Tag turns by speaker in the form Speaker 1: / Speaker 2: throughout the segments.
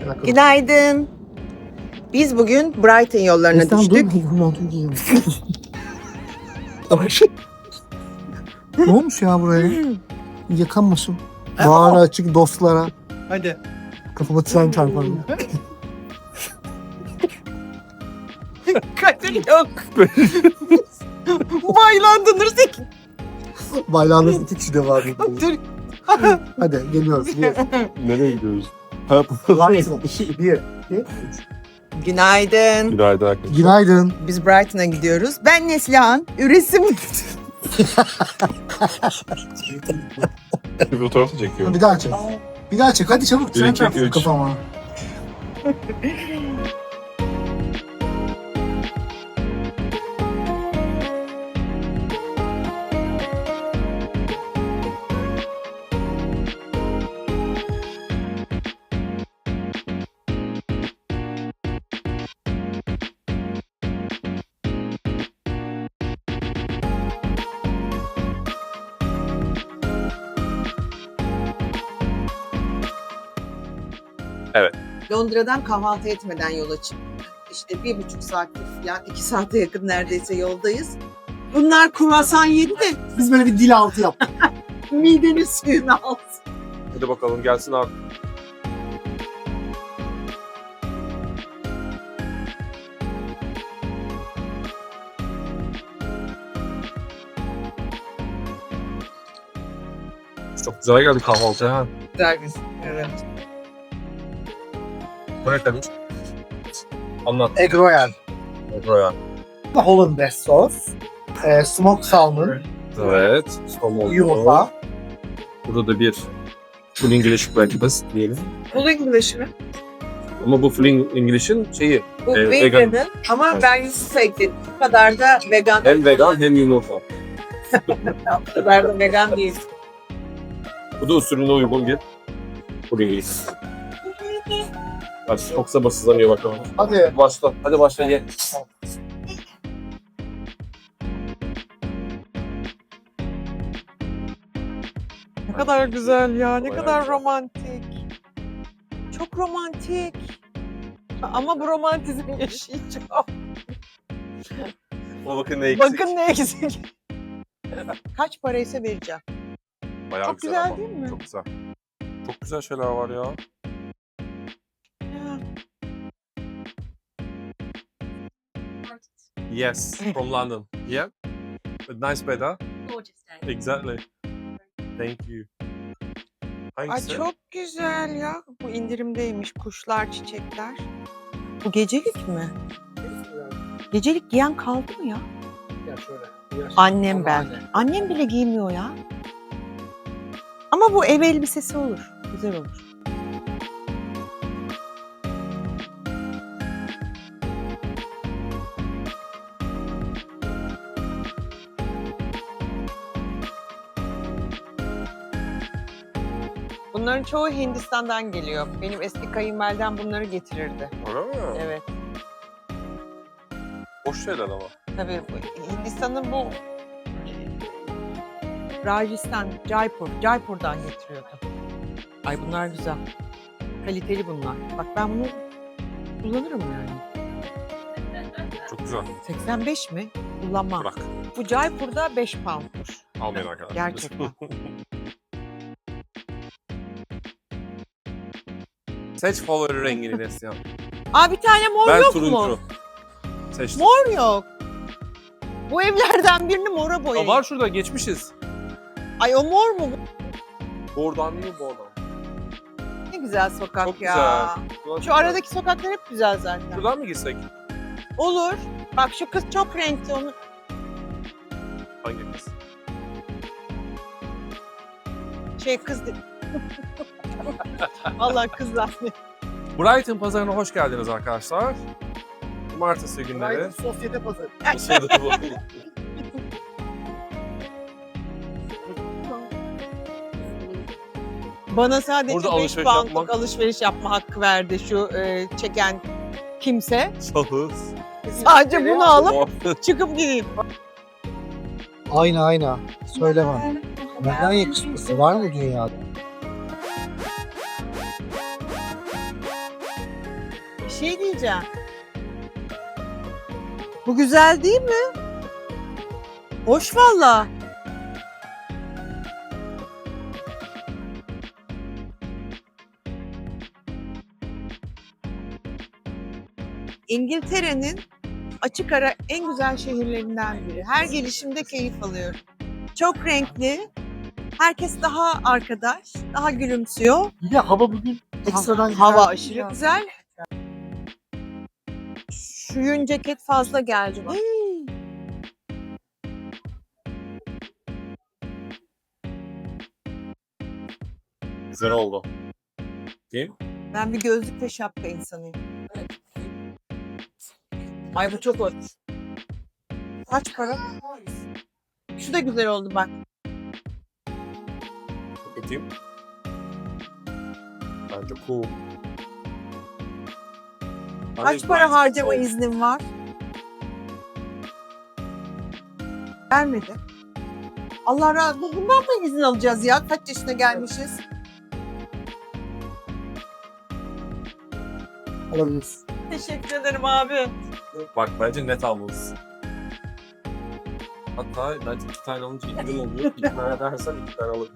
Speaker 1: Günaydın. Biz bugün Brighton yollarına düştük.
Speaker 2: Ne olmuş ya buraya? Yıkanmasın. Bağrı açık dostlara.
Speaker 1: Hadi.
Speaker 2: Kafama tren çarpar.
Speaker 1: Kadir yok. Baylandınız iki.
Speaker 2: Baylarınız 2 kişi de var.
Speaker 1: Dur.
Speaker 2: Hadi geliyoruz.
Speaker 3: Nereye gidiyoruz?
Speaker 2: Brighton 2, 1, 2, 3.
Speaker 1: Günaydın.
Speaker 3: Günaydın arkadaşlar.
Speaker 2: Günaydın.
Speaker 1: Biz Brighton'a gidiyoruz. Ben Neslihan. Üresim.
Speaker 3: Bir fotoğraf çekiyorum.
Speaker 2: Bir daha çek. Bir daha çek. Hadi çabuk. Tren
Speaker 3: iki,
Speaker 2: çarpsın
Speaker 3: üç.
Speaker 2: kafama.
Speaker 1: Londra'dan kahvaltı etmeden yola çıktık. İşte 1,5 saattir falan 2 saate yakın neredeyse yoldayız. Bunlar kruvasan yedi de
Speaker 2: Biz böyle bir dil altı yaptık.
Speaker 1: midenin suyunu aldı.
Speaker 3: Hadi bakalım gelsin abi. Çok güzel geldi kahvaltıya ha.
Speaker 1: Güzel bir. Evet.
Speaker 3: Bu ne demiş? Anlat.
Speaker 2: Egg Royal.
Speaker 3: Royal.
Speaker 2: Hollandaise sos. Smoked salmon.
Speaker 3: Evet. Somon.
Speaker 2: Yumurta.
Speaker 3: Burada da bir full English breakfast diyelim.
Speaker 1: Full English mi?
Speaker 3: Ama bu full English'in şeyi.
Speaker 1: Bu
Speaker 3: vegan.
Speaker 1: vegan'ın ama ben yumurta ekledim. Bu kadar da vegan.
Speaker 3: Hem vegan hem yumurta.
Speaker 1: Bu kadar da vegan değil.
Speaker 3: Bu da usulüne uygun bir full English. Bak çok sabırsızlanıyor bakalım.
Speaker 2: Hadi.
Speaker 3: Başla. Hadi başla ye.
Speaker 1: Ne kadar güzel ya, ne
Speaker 3: Bayağı
Speaker 1: kadar
Speaker 3: güzel.
Speaker 1: romantik. Çok romantik. Ama bu romantizmi yaşayacağım.
Speaker 3: O bakın ne eksik.
Speaker 1: Bakın ne eksik. Kaç paraysa vereceğim.
Speaker 3: Bayağı
Speaker 1: Çok güzel
Speaker 3: ama.
Speaker 1: değil mi?
Speaker 3: Çok güzel. Çok güzel şeyler var ya.
Speaker 1: Ya.
Speaker 3: Yes, from London. Yeah. But nice weather.
Speaker 4: Gorgeous day.
Speaker 3: Exactly. Thank you.
Speaker 1: Ay
Speaker 3: Hangisi?
Speaker 1: çok güzel ya. Bu indirimdeymiş. Kuşlar, çiçekler. Bu gecelik mi? Gecelik giyen kaldı mı ya?
Speaker 2: Ya şöyle.
Speaker 1: Annem ben. Annem bile giymiyor ya. Ama bu ev elbisesi olur. Güzel olur. Bunların çoğu Hindistan'dan geliyor. Benim eski kayınvalidem bunları getirirdi.
Speaker 3: Öyle mi?
Speaker 1: Evet.
Speaker 3: Hoş şeyler ama.
Speaker 1: Tabii Hindistan'ın bu Rajasthan, Jaipur'dan getiriyordu. Ay bunlar güzel. Kaliteli bunlar. Bak ben bunu kullanırım yani.
Speaker 3: Çok güzel.
Speaker 1: 85 mi? Kullanmam.
Speaker 3: Bırak.
Speaker 1: Bu Jaipur'da 5 poundmuş.
Speaker 3: Almayın arkadaşlar.
Speaker 1: Gerçekten.
Speaker 3: Seç favori rengini Neslihan.
Speaker 1: Aa bir tane mor
Speaker 3: Ben
Speaker 1: yok
Speaker 3: turuncu.
Speaker 1: mu?
Speaker 3: Seçtim.
Speaker 1: Mor yok. Bu evlerden birini mora
Speaker 3: Aa,
Speaker 1: boyayın.
Speaker 3: var şurada geçmişiz.
Speaker 1: Ay o mor mu?
Speaker 3: Oradan değil bu oradan.
Speaker 1: Ne güzel sokak
Speaker 3: Çok
Speaker 1: ya.
Speaker 3: güzel.
Speaker 1: Şu aradaki sokaklar hep güzel zaten.
Speaker 3: Şuradan mı girsek?
Speaker 1: Olur. Bak şu kız çok renkli onu.
Speaker 3: Hangi kız?
Speaker 1: Kız değil. Vallahi kız zannettim.
Speaker 3: Brighton pazarına hoş geldiniz arkadaşlar. Cumartesi günleri.
Speaker 2: Brighton sosyete pazarı.
Speaker 3: Şeyde bu.
Speaker 1: Bana sadece
Speaker 3: Burada
Speaker 1: 5
Speaker 3: alışveriş
Speaker 1: poundluk
Speaker 3: yapmak.
Speaker 1: alışveriş yapma hakkı verdi şu çeken kimse.
Speaker 3: Şahıs.
Speaker 1: Sadece bunu alıp çıkıp gideyim.
Speaker 2: Ayna. Söyle bana. Neden yakışıklısı var mı dünyada?
Speaker 1: şey diyeceğim. Bu güzel değil mi? Hoş valla. İngiltere'nin açık ara en güzel şehirlerinden biri. Her gelişimde keyif alıyorum. Çok renkli. Herkes daha arkadaş, daha gülümsüyor.
Speaker 2: Bir de hava bugün ekstradan
Speaker 1: Hava
Speaker 2: güzel.
Speaker 1: aşırı güzel. Şu yün ceket fazla geldi bak.
Speaker 3: Güzel oldu. Değil mi?
Speaker 1: Ben bir gözlük ve şapka insanıyım. Ay bu çok hoş. Kaç para? Şu da güzel oldu bak.
Speaker 3: Bakayım. Bence cool.
Speaker 1: Kaç para harcama iznin var? Vermedi. Allah razı olsun. Bundan mı izin alacağız ya? Kaç yaşına gelmişiz?
Speaker 2: Alabiliriz.
Speaker 1: Teşekkür ederim abi.
Speaker 3: Bak bence net almalısın. Hatta bence 2 tane alınca indirim oluyor. 2 tane dersen 2 tane alırım.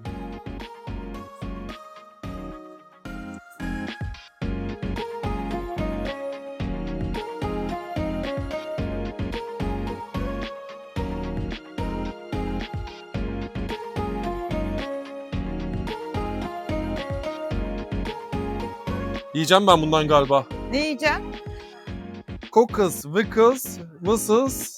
Speaker 3: Yiyeceğim ben bundan galiba.
Speaker 1: Ne yiyeceğim?
Speaker 3: Cocos, Vickers, Mısız.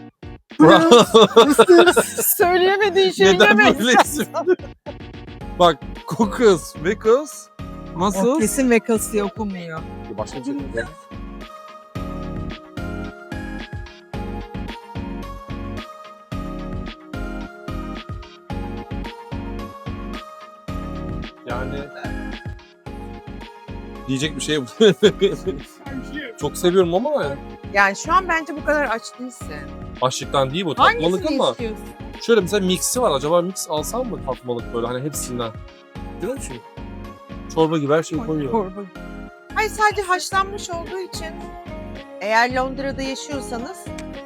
Speaker 1: Söyleyemediğin şeyi
Speaker 3: Neden
Speaker 1: yemeyiz.
Speaker 3: böyle isim? Bak, Cocos, Vickers,
Speaker 1: O
Speaker 3: Mısız.
Speaker 1: kesin vekası okumuyor.
Speaker 3: Başka bir şey değil. Yani diyecek bir şey yok. Çok seviyorum ama
Speaker 1: Yani şu an bence bu kadar aç değilsin.
Speaker 3: açlıktan değil bu tatmalık
Speaker 1: Hangisini
Speaker 3: ama
Speaker 1: istiyorsun?
Speaker 3: şöyle mesela mixi var. Acaba mix alsam mı tatmalık böyle hani hepsinden? Biliyor musun? Çorba gibi her şeyi koyuyor.
Speaker 1: Çorba. Hayır sadece haşlanmış olduğu için eğer Londra'da yaşıyorsanız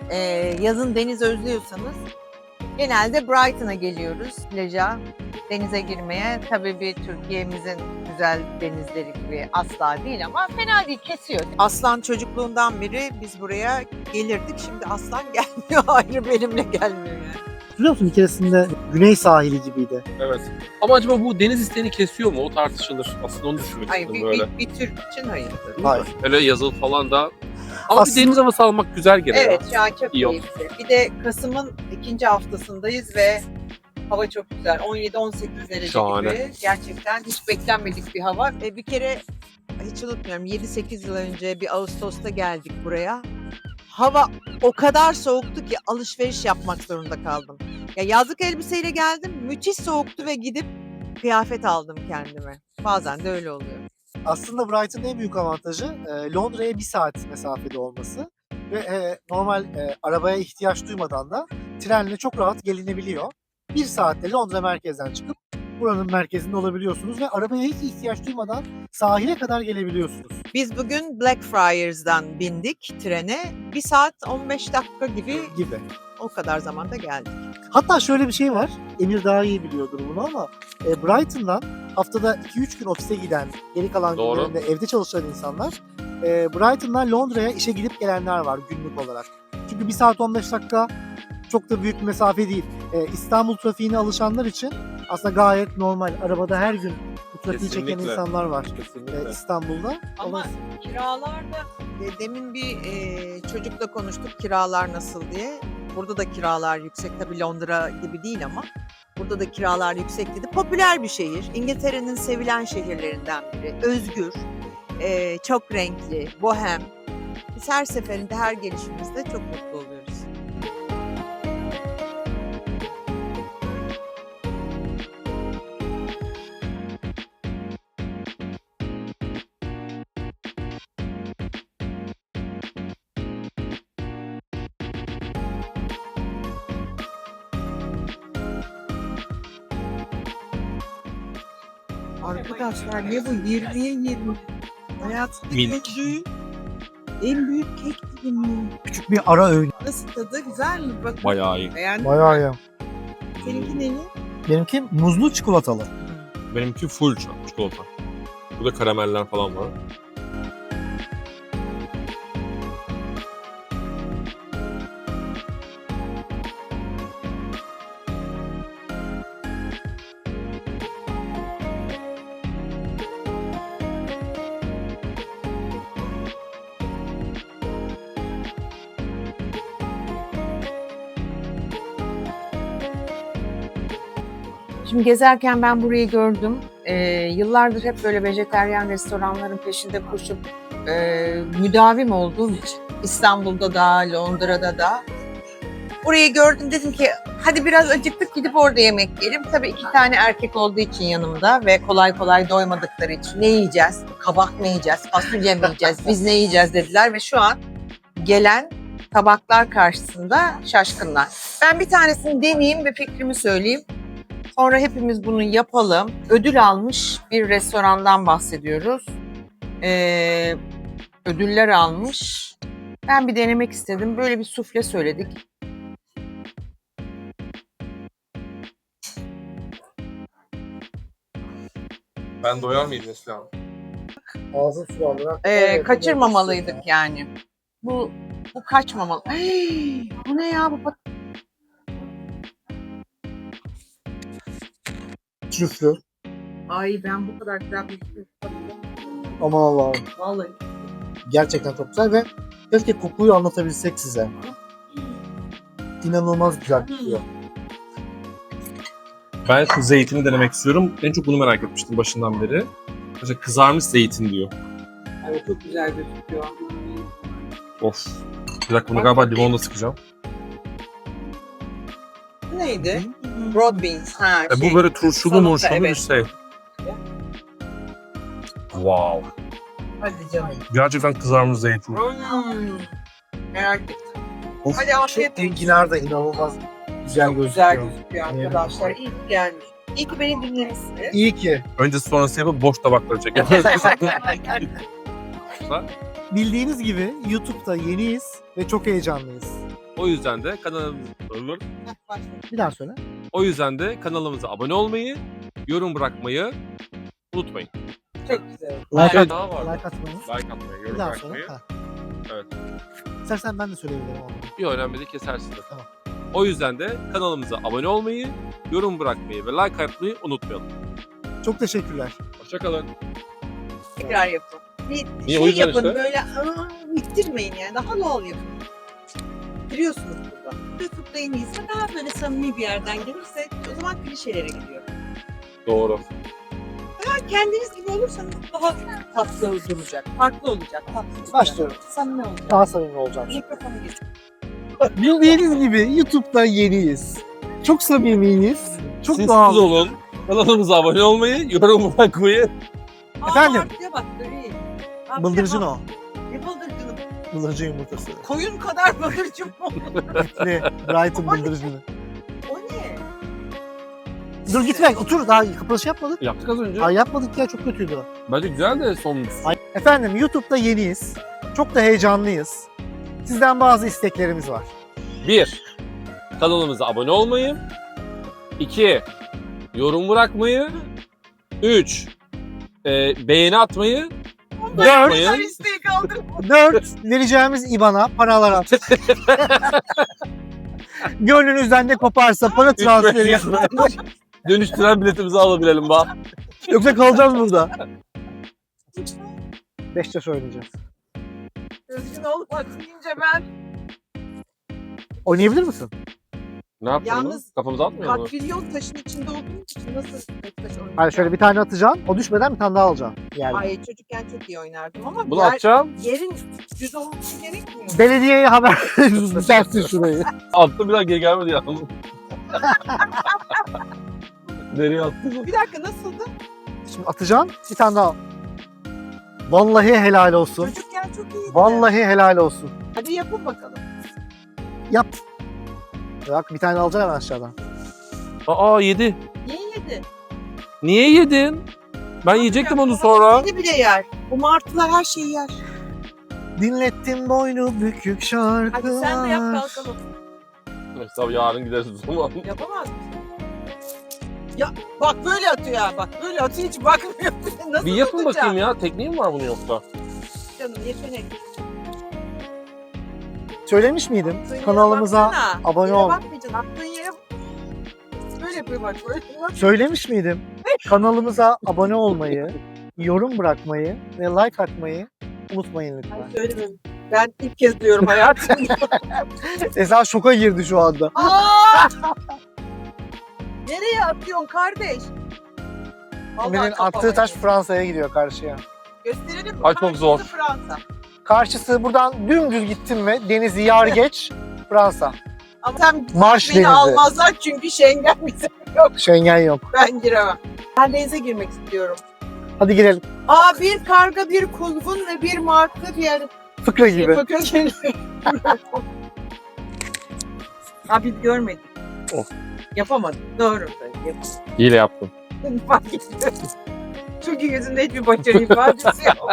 Speaker 1: yazın deniz özlüyorsanız genelde Brighton'a geliyoruz plaja, denize girmeye. Tabii bir Türkiye'mizin güzel denizleri gibi asla değil ama fena değil, kesiyor. Aslan çocukluğundan beri biz buraya gelirdik. Şimdi aslan gelmiyor, ayrı benimle gelmiyor yani.
Speaker 2: Biliyor musun bir keresinde güney sahili gibiydi.
Speaker 3: Evet. Ama acaba bu deniz isteğini kesiyor mu? O tartışılır. Aslında onu düşünmek
Speaker 1: Hayır,
Speaker 3: istedim böyle.
Speaker 1: bir Türk için hayırdır.
Speaker 2: Hayır.
Speaker 3: Öyle yazılı falan da. Ama
Speaker 2: Aslında-
Speaker 3: bir deniz havası almak güzel geliyor.
Speaker 1: Evet, şu an çok
Speaker 3: İyi oldu.
Speaker 1: keyifli. Bir de Kasım'ın 2. haftasındayız ve hava çok güzel. 17-18 derece
Speaker 3: Şahane.
Speaker 1: gibi. Gerçekten hiç beklenmedik bir hava. Bir kere hiç unutmuyorum 7-8 yıl önce bir Ağustos'ta geldik buraya. Hava o kadar soğuktu ki alışveriş yapmak zorunda kaldım. Ya yazlık elbiseyle geldim. Müthiş soğuktu ve gidip kıyafet aldım kendime. Bazen de öyle oluyor.
Speaker 2: Aslında Brighton'ın en büyük avantajı Londra'ya 1 saat mesafede olması ve normal arabaya ihtiyaç duymadan da trenle çok rahat gelinebiliyor. 1 saatte Londra merkezden çıkıp buranın merkezinde olabiliyorsunuz ve arabaya hiç ihtiyaç duymadan sahile kadar gelebiliyorsunuz.
Speaker 1: Biz bugün Blackfriars'dan bindik trene. 1 saat 15 dakika gibi
Speaker 2: Gibi.
Speaker 1: o kadar zamanda geldik.
Speaker 2: Hatta şöyle bir şey var. Emir daha iyi biliyordur bunu ama Brighton'dan haftada 2-3 gün ofise giden, geri kalan
Speaker 3: Doğru.
Speaker 2: günlerinde evde çalışan insanlar Brighton'dan Londra'ya işe gidip gelenler var günlük olarak. Çünkü 1 saat 15 dakika çok da büyük bir mesafe değil. İstanbul trafiğine alışanlar için aslında gayet normal. Arabada her gün bu trafiği çeken
Speaker 3: Kesinlikle.
Speaker 2: insanlar var
Speaker 3: Kesinlikle.
Speaker 2: İstanbul'da.
Speaker 1: Ama kiralar da demin bir çocukla konuştuk kiralar nasıl diye. Burada da kiralar yüksek. Tabii Londra gibi değil ama burada da kiralar yüksek dedi. Popüler bir şehir. İngiltere'nin sevilen şehirlerinden biri. Özgür, çok renkli, bohem. Biz her seferinde, her gelişimizde çok mutlu oluyoruz. Arkadaşlar ne bu 20'ye 20? Hayatımda
Speaker 3: Milk.
Speaker 1: ilk düğün En büyük kek dilimi.
Speaker 2: Küçük bir ara öğün.
Speaker 1: Nasıl tadı? Güzel mi? Bak.
Speaker 3: Bayağı iyi.
Speaker 1: Beğendin mi?
Speaker 2: Bayağı iyi.
Speaker 1: Seninki neli?
Speaker 2: Benimki muzlu çikolatalı.
Speaker 3: Benimki full çikolata. Burada karameller falan var.
Speaker 1: Şimdi gezerken ben burayı gördüm. Yıllardır hep böyle vejeteryan restoranların peşinde koşup müdavim olduğum için İstanbul'da da, Londra'da da burayı gördüm, dedim ki hadi biraz acıktık gidip orada yemek yiyelim. Tabii 2 tane erkek olduğu için yanımda ve kolay kolay doymadıkları için ne yiyeceğiz? Kabak mı yiyeceğiz? Fasulye mi yiyeceğiz? Biz ne yiyeceğiz dediler ve şu an gelen tabaklar karşısında şaşkınlar. Ben bir tanesini deneyeyim ve fikrimi söyleyeyim. Sonra hepimiz bunu yapalım. Ödül almış bir restorandan bahsediyoruz. Ödüller almış. Ben bir denemek istedim. Böyle bir sufle söyledik.
Speaker 3: Ben doyar mıyım Neslihan?
Speaker 2: Ağzın sulandıran.
Speaker 1: Kaçırmamalıydık yani. Bu kaçmamalı. Hey, bu ne ya? Bu
Speaker 2: Trüflü.
Speaker 1: Ay, ben bu kadar güzel bir şey
Speaker 2: Aman Allah'ım.
Speaker 1: vallahi.
Speaker 2: Gerçekten çok güzel ve keşke kokuyu anlatabilsek size. İnanılmaz güzel kokuyor.
Speaker 3: Ben şu zeytini denemek istiyorum. En çok bunu merak etmiştim başından beri. Mesela kızarmış zeytin diyor.
Speaker 1: Evet, çok güzel gözüküyor.
Speaker 3: Of. Bir dakika bunu galiba limonla sıkacağım.
Speaker 1: Bu neydi? Broad beans. Ha,
Speaker 3: Bu böyle turşulu
Speaker 1: salata,
Speaker 3: murşulu bir
Speaker 1: evet.
Speaker 3: şey. Wow.
Speaker 1: Hadi canım.
Speaker 3: Gerçekten kızarmış zeytin.
Speaker 1: Merak ettim.
Speaker 2: Of.
Speaker 1: Hadi afiyet olsun.
Speaker 2: Enginar da inanılmaz güzel gözüküyor.
Speaker 1: Güzel gözüküyor arkadaşlar. İyi ki gelmiş. İyi ki beni dinlemişsiniz.
Speaker 2: İyi ki.
Speaker 3: Önce sonrası yapıp boş tabakları çekelim.
Speaker 2: Bildiğiniz gibi YouTube'da yeniyiz ve çok heyecanlıyız.
Speaker 3: O yüzden de kanalımıza
Speaker 2: Bir daha söyle.
Speaker 3: O yüzden de kanalımıza abone olmayı, yorum bırakmayı unutmayın.
Speaker 1: Çok güzel.
Speaker 2: Like,
Speaker 3: Daha var.
Speaker 2: like atmayı.
Speaker 3: Like atmayı,
Speaker 2: Bir
Speaker 3: yorum
Speaker 2: daha
Speaker 3: bırakmayı.
Speaker 2: söyle. Ha.
Speaker 3: Evet.
Speaker 2: İstersen ben de söyleyebilirim onu.
Speaker 3: Bir önemli de kesersin de.
Speaker 2: Tamam.
Speaker 3: O yüzden de kanalımıza abone olmayı, yorum bırakmayı ve like atmayı unutmayalım.
Speaker 2: Çok teşekkürler.
Speaker 3: Hoşçakalın.
Speaker 1: Tekrar yapın. Bir
Speaker 3: Niye? O
Speaker 1: şey
Speaker 3: yüzden
Speaker 1: yapın
Speaker 3: işte.
Speaker 1: böyle bitirmeyin yani. Daha doğal yapın. Biliyorsunuz burada. YouTube'da en iyisi daha böyle samimi bir yerden gelirse o zaman klişelere gidiyor.
Speaker 3: Doğru.
Speaker 1: Daha kendiniz gibi olursanız daha tatlı duracak. Farklı olacak. Tatlı olacak.
Speaker 2: Başlıyorum.
Speaker 1: Samimi olacak.
Speaker 2: Daha samimi olacağım.
Speaker 1: Mikrofonu getir.
Speaker 2: Bildiğiniz gibi YouTube'da yeniyiz. Çok samimiyiz. Çok
Speaker 3: Siz
Speaker 2: doğal.
Speaker 3: olun. Kanalımıza abone olmayı, yorum bırakmayı.
Speaker 2: Efendim?
Speaker 1: Abiye bak böyle. Abiye
Speaker 2: Bıldırcın
Speaker 1: bak.
Speaker 2: o.
Speaker 1: Ne bıldırcını?
Speaker 2: Bıldırcın yumurtası.
Speaker 1: Koyun kadar bıldırcın mı olur?
Speaker 2: Ne? Brighton bıldırcını.
Speaker 1: O ne?
Speaker 2: Dur gitme otur daha kapanış yapmadık.
Speaker 3: Yaptık az önce.
Speaker 2: Ay yapmadık ya çok kötüydü o.
Speaker 3: Bence güzel de son.
Speaker 2: Ay. Efendim YouTube'da yeniyiz. Çok da heyecanlıyız. Sizden bazı isteklerimiz var.
Speaker 3: 1. Kanalımıza abone olmayı. 2. Yorum bırakmayı. 3. Beğeni atmayı.
Speaker 2: 4.
Speaker 1: Güzel isteği kaldırma.
Speaker 2: 4. Vereceğimiz IBAN'a paralar at. Gönlünüzden ne koparsa para transferi yap.
Speaker 3: Dönüştüren biletimizi alabilelim bak.
Speaker 2: Yoksa kalacağız burada. 5'te söyleyeceğiz.
Speaker 1: Özgün olup atlayınca ben
Speaker 2: Oynayabilir misin?
Speaker 3: Ne yapalım?
Speaker 1: Yalnız
Speaker 3: Kafamıza atmıyor mu?
Speaker 1: katrilyon taşın içinde olduğum için nasıl Beşiktaş oynayacağım?
Speaker 2: Hayır şöyle bir tane atacaksın. O düşmeden bir tane daha alacaksın. Yani.
Speaker 1: Ay çocukken çok iyi oynardım ama
Speaker 3: Bunu atacağım.
Speaker 1: yerin düz olması gerekmiyor.
Speaker 2: Belediyeye haber versin şurayı.
Speaker 3: Attım bir daha geri gelmedi yalnız. Nereye attın?
Speaker 1: Bir dakika nasıldı?
Speaker 2: Şimdi atacaksın bir tane daha. Vallahi helal olsun.
Speaker 1: Çocukken çok iyiydi.
Speaker 2: Vallahi helal olsun.
Speaker 1: Hadi yapın bakalım.
Speaker 2: Yap. Bak bir tane alacaksın hemen aşağıdan.
Speaker 3: Aa yedi.
Speaker 1: Niye yedi?
Speaker 3: Niye yedin? Ben yiyecektim onu sonra.
Speaker 1: Yedi bile yer. Bu martılar her şeyi yer.
Speaker 2: Dinlettin boynu bükük şarkılar.
Speaker 1: Hadi sen de yap kalkalım.
Speaker 3: Neyse tabii yarın gideriz o zaman.
Speaker 1: Yapamaz mısın? Ya bak böyle atıyor ya. Bak böyle atıyor hiç bakmıyor. Nasıl
Speaker 3: Bir yapın
Speaker 1: tutacağım?
Speaker 3: bakayım ya. Tekniği mi var bunun yoksa?
Speaker 1: Canım yetenek.
Speaker 2: Söylemiş miydim?
Speaker 1: Attığın yere
Speaker 2: Kanalımıza
Speaker 1: baksana.
Speaker 2: abone
Speaker 1: Yere
Speaker 2: ol.
Speaker 1: bakmayacaksın. Attığın yere böyle yapıyor bak. Böyle bak.
Speaker 2: Söylemiş miydim? Kanalımıza abone olmayı, yorum bırakmayı ve like atmayı unutmayın lütfen.
Speaker 1: Ay söylemiyorum. Ben ilk kez diyorum hayatımda.
Speaker 2: Esa şoka girdi şu anda.
Speaker 1: Aa! Nereye atıyorsun kardeş? Vallahi
Speaker 2: Emir'in
Speaker 1: kafama
Speaker 2: attığı taş
Speaker 1: yedi.
Speaker 2: Fransa'ya gidiyor karşıya.
Speaker 1: Gösterelim mi?
Speaker 3: Ay, çok zor.
Speaker 1: Karşısı Fransa.
Speaker 2: Karşısı buradan dümdüz gittin mi denizi yar geç Fransa.
Speaker 1: Ama sen
Speaker 2: Marş
Speaker 1: beni
Speaker 2: denizi.
Speaker 1: almazlar çünkü Schengen bize yok.
Speaker 2: Schengen yok.
Speaker 1: Ben giremem. Ben denize girmek istiyorum.
Speaker 2: Hadi girelim.
Speaker 1: Aa bir karga, bir kuzgun ve bir martı bir yer.
Speaker 2: Fıkra gibi.
Speaker 1: Bakın geliyor. Ha biz görmedik.
Speaker 3: Of.
Speaker 1: Yapamadım. Doğru. Yapamadım.
Speaker 3: Hile yaptım.
Speaker 1: Fark ettim. Çünkü yüzünde hiçbir başarı ifadesi yok.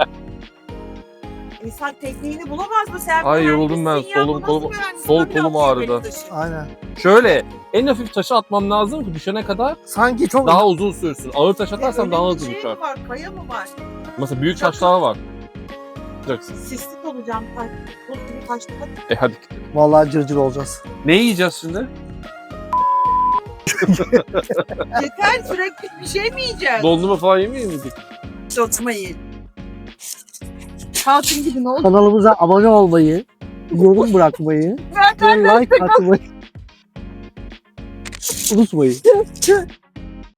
Speaker 1: İnsan tekniğini bulamaz mı sen?
Speaker 3: Ay, yoruldum ben.
Speaker 1: mühendissin ya,
Speaker 3: Solum,
Speaker 1: bu
Speaker 3: kolum-
Speaker 1: nasıl mühendislik?
Speaker 3: sol
Speaker 1: Tabii
Speaker 3: kolum
Speaker 1: atıyor
Speaker 3: ağrıdı.
Speaker 1: beni taşı.
Speaker 2: Aynen.
Speaker 3: Şöyle en hafif taşı atmam lazım ki düşene kadar
Speaker 2: Sanki çok
Speaker 3: daha uzun sürsün. Ağır taş atarsan
Speaker 1: Öyle
Speaker 3: daha
Speaker 1: bir
Speaker 3: hızlı
Speaker 1: şey
Speaker 3: düşer.
Speaker 1: mi var? Kaya mı var?
Speaker 3: Mesela büyük taşlar var. Yapacaksın.
Speaker 1: Sislik olacağım. Buz gibi taşlı. Hadi.
Speaker 3: Hadi.
Speaker 2: vallahi cırcır olacağız.
Speaker 3: Ne yiyeceğiz şimdi?
Speaker 1: Yeter sürekli bir şey mi yiyeceğiz?
Speaker 3: Dondurma falan yemeyeyim miydik?
Speaker 1: Sotma yiyelim. Hatun gibi ne oldu?
Speaker 2: Kanalımıza abone olmayı, yorum bırakmayı ve like atmayı unutmayın.